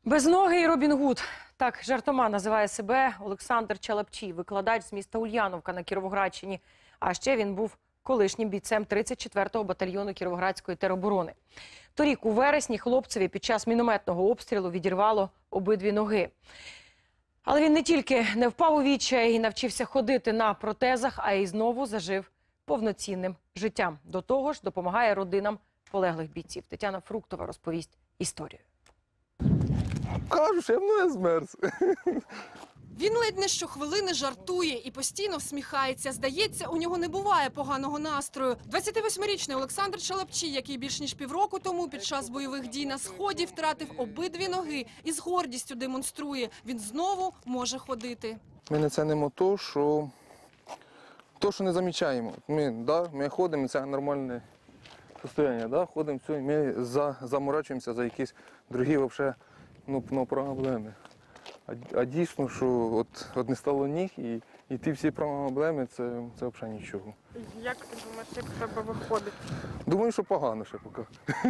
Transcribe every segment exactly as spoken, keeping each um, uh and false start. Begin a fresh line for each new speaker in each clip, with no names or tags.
Безногий Робін Гуд. Так жартома називає себе Олександр Чалапчій, викладач з міста Ульяновка на Кіровоградщині. А ще він був колишнім бійцем тридцять четвертого батальйону Кіровоградської тероборони. Торік у вересні хлопцеві під час мінометного обстрілу відірвало обидві ноги. Але він не тільки не впав у відчай і навчився ходити на протезах, а й знову зажив повноцінним життям. До того ж, допомагає родинам полеглих бійців. Тетяна Фруктова розповість історію.
Кажу, що я мною змерз.
Він ледь не щохвилини жартує і постійно всміхається. Здається, у нього не буває поганого настрою. двадцятивосьмирічний Олександр Чалапчій, який більш ніж півроку тому під час бойових дій на Сході втратив обидві ноги і з гордістю демонструє. Він знову може ходити.
Ми не цінимо то, що, то, що не замічаємо. Ми, да, ми ходимо, це нормальне состояние, да, ходимо, все, ми за, заморачуємося за якісь другі вообще, ну, ну, проблеми. А, а дійсно, що от, от не стало ніг, і, і ті всі проблеми, це, це взагалі нічого.
Як ти думаєш, як в тебе виходить?
Думаю, що погано ще поки.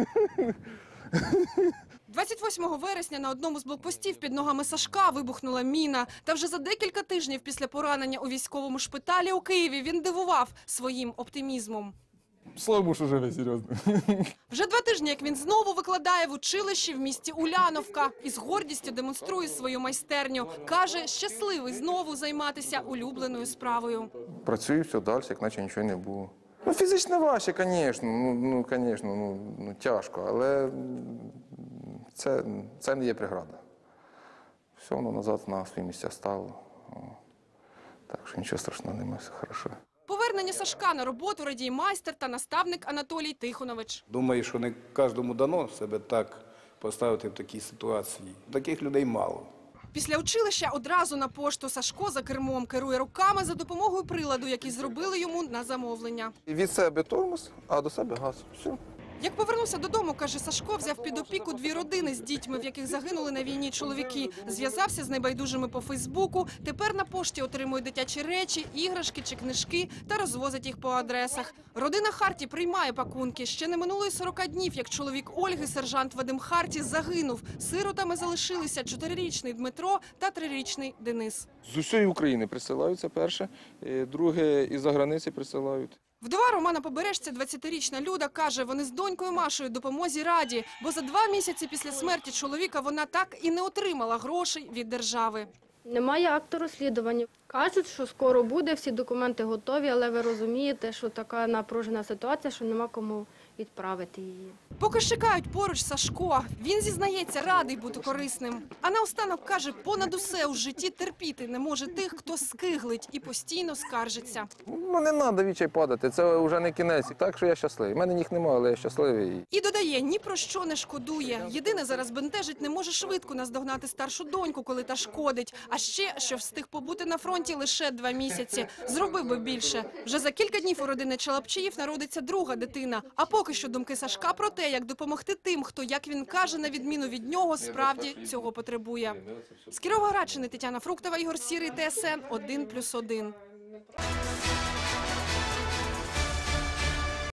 двадцять восьмого вересня на одному з блокпостів під ногами Сашка вибухнула міна. Та вже за декілька тижнів після поранення у військовому шпиталі у Києві він дивував своїм оптимізмом.
Слава Богу, що живе, серйозно.
Вже два тижні, як він знову викладає в училищі в місті Уляновка і з гордістю демонструє свою майстерню. Каже, щасливий знову займатися улюбленою справою.
Працюю все далі, як наче нічого не було. Ну, фізично важче, звісно, ну, ну, звісно, ну, ну, тяжко, але це, це не є преграда. Все воно назад на свої місця стало. Так що нічого страшного немає, все добре.
Повернення Сашка на роботу радіє майстер та наставник Анатолій Тихонович.
Думаю, що не кожному дано себе так поставити в такій ситуації. Таких людей мало.
Після училища одразу на пошту Сашко за кермом керує руками за допомогою приладу, який зробили йому на замовлення.
Від себе тормоз, а до себе газ. Все.
Як повернувся додому, каже Сашко, взяв під опіку дві родини з дітьми, в яких загинули на війні чоловіки. Зв'язався з небайдужими по Фейсбуку. Тепер на пошті отримує дитячі речі, іграшки чи книжки та розвозить їх по адресах. Родина Харті приймає пакунки. Ще не минуло й сорока днів, як чоловік Ольги, сержант Вадим Харті, загинув. Сиротами залишилися чотирирічний Дмитро та трирічний Денис.
З усієї України присилаються перше, друге із-за границі присилають.
Вдова Романа Побережця, двадцятирічна Люда, каже, вони з донькою Машею допомозі раді, бо за два місяці після смерті чоловіка вона так і не отримала грошей від держави.
Немає акту розслідування. Кажуть, що скоро буде, всі документи готові, але ви розумієте, що така напружена ситуація, що нема кому відправити її.
Поки ж чекають поруч Сашко, він зізнається, радий бути корисним. А наостанок каже, понад усе у житті терпіти не може тих, хто скиглить і постійно скаржиться.
Ну не треба відчай падати, це вже не кінець. Так що я щасливий. У мене їх немає, але я щасливий.
І додає, ні про що не шкодує. Єдине зараз бентежить, не може швидко наздогнати старшу доньку, коли та шкодить. А ще, що встиг побути на фронті лише два місяці. Зробив би більше. Вже за кілька днів у родини Чалапчіїв народиться друга дитина. А поки що думки Сашка про те, як допомогти тим, хто, як він каже, на відміну від нього, справді цього потребує. З Кіровоградщини Тетяна Фруктова, Ігор Сірий, Т С Н один плюс один.